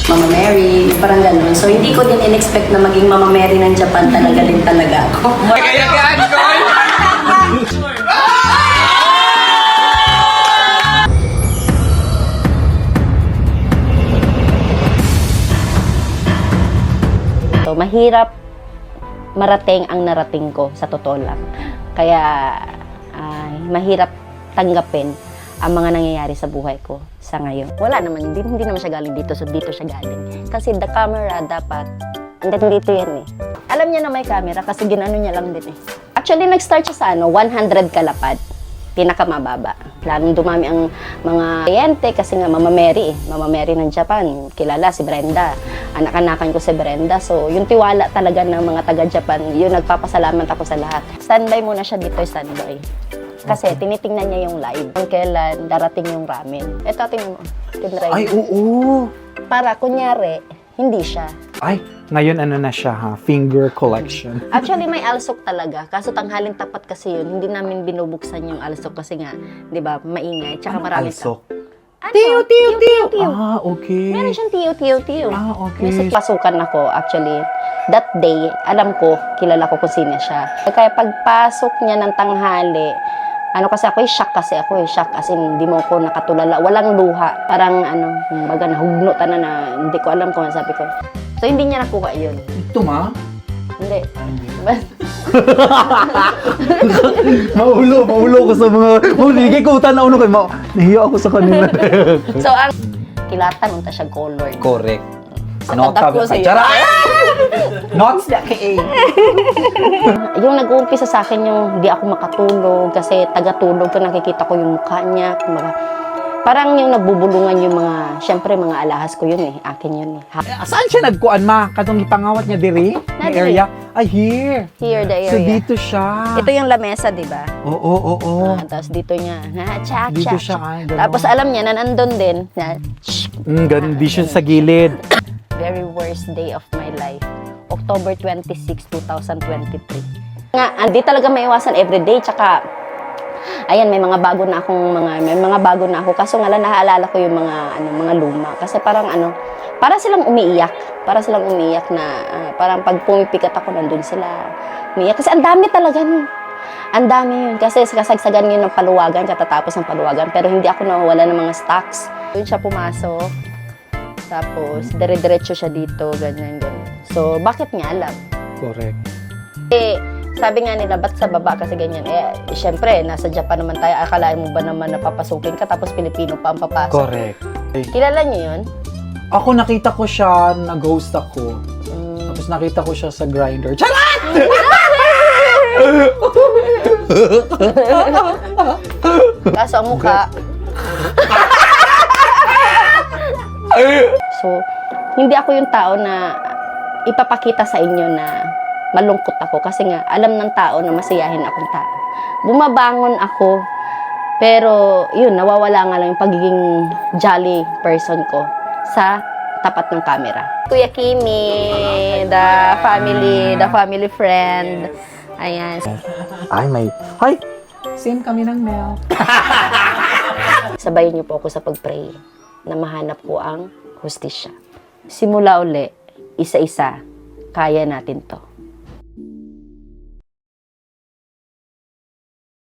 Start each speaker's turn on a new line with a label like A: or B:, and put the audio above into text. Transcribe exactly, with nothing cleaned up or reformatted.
A: Mama Mary, parang ganun. So, hindi ko din in-expect na maging Mama Mary ng Japan talaga din talaga ako.
B: Kaya gaan ko!
A: So, mahirap marating ang narating ko, sa totoo lang. Kaya, ay, mahirap tanggapin ang mga nangyayari sa buhay ko sa ngayon. Wala naman, hindi, hindi naman siya galing dito, so dito siya galing. Kasi the camera dapat, andito dito yan eh. Alam niya na may camera kasi ginano niya lang din eh. Actually, nag-start siya sa ano, one hundred kalapad. Pinakamababa. Lalong dumami ang mga kliyente kasi nga Mama Mary eh. Mama Mary ng Japan. Kilala si Brenda. Anak-anakan ko si Brenda. So, yung tiwala talaga ng mga taga-Japan, yun nagpapasalamat ako sa lahat. Standby muna siya dito, standby. Kasi tinitingnan niya yung live. Kung kailan darating yung ramen. Ito, tingnan mo. Tinry.
B: Ay, oo!
A: Para, kunyari, hindi siya.
B: Ay, ngayon ano na siya ha? Finger collection.
A: Actually, may alsok talaga. Kaso tanghaling tapat kasi yun. Hindi namin binubuksan yung alsok kasi nga, di ba, maingay. Tsaka
B: Anong
A: marami
B: alsok?
A: Ano?
B: Tiyo, tiyo, tiyo!
A: tiyo.
B: Ah, okay.
A: Meron siyang tiyo, tiyo, tiyo.
B: Ah, okay.
A: Kasi pasukan ako, actually, that day, alam ko, kilala ko kung sino siya. Kaya pagpasok niya ng tanghali, ano kasi ako, eh, shock kasi ako, eh, shock as in, hindi mo ako nakatulala, walang luha. Parang, ano, baga, nahugnutan na na, hindi ko alam kung ano sabi ko. So, hindi niya nakuha yun.
B: Ito ma?
A: Hindi.
B: Maulo, maulo ko sa mga... Hindi ko utan na uno kayo. Ma- Nahiya ako sa kanila.
A: So, ang kilatan, unta siya colored.
B: Correct.
A: So,
B: Not
A: tadak ko sa'yo.
B: Chara! Not that K A.
A: Yung nag-uumpisa sa akin yung di ako makatulog kasi taga-tulog ko, nakikita ko yung mukha niya. Kumaga, parang yung nagbubulungan yung mga, syempre mga alahas ko yun eh, akin yun eh. Ha-
B: Saan siya nagkuan ma? Katong ipangawat niya diri?
A: Na
B: May
A: diri.
B: area? Ay, here.
A: Here, the area.
B: So dito siya.
A: Ito yung lamesa, di ba?
B: Oo, oo, oo.
A: Ah, tapos dito niya, na, tsak,
B: Dito
A: tsak,
B: siya,
A: tsak.
B: ay, gano'n.
A: Tapos alam niya na nandun din, na,
B: Mm, ganun, di siya sa gilid.
A: very worst day of my life. October twenty-sixth, twenty twenty-three. Nga, hindi talaga maiwasan everyday, tsaka, ayan, may mga bago na akong mga, may mga bago na ako. Kaso nga lang, naaalala ko yung mga, ano, mga luma. Kasi parang, ano, para silang umiiyak. Para silang umiiyak na, ah, parang pag pumipikat ako, nandun sila. Umiiyak. Kasi ang dami talaga nun. Ang dami yun. Kasi kasagsagan yun ng paluwagan, katatapos ng paluwagan. Pero hindi ako nawawala ng mga stocks. Doon siya pumasok. Tapos, dire-diretso siya dito, ganyan, ganyan. So, bakit niya alam?
B: Correct.
A: Eh, sabi nga nila, ba't sa baba kasi ganyan? Eh, syempre, nasa Japan naman tayo. Akalain mo ba naman napapasukin ka, tapos Pilipino pa ang papasok?
B: Correct.
A: Kilala niyo yun?
B: Ako nakita ko siya, nag-ghost ako.
A: Mm.
B: Tapos nakita ko siya sa grinder. Charat!
A: Kaso ang mukha. So, hindi ako yung tao na ipapakita sa inyo na malungkot ako. Kasi nga, alam ng tao na masiyahin akong tao. Bumabangon ako, pero yun, nawawala nga lang yung pagiging jolly person ko sa tapat ng camera. Kuya Kimi, the family, the family friend. Ayan.
B: Ay, may... Hi! Same kami ng Mel.
A: Sabayin niyo po ako sa pag-pray na mahanap ko ang hustisya. Simula uli, isa-isa, kaya natin to.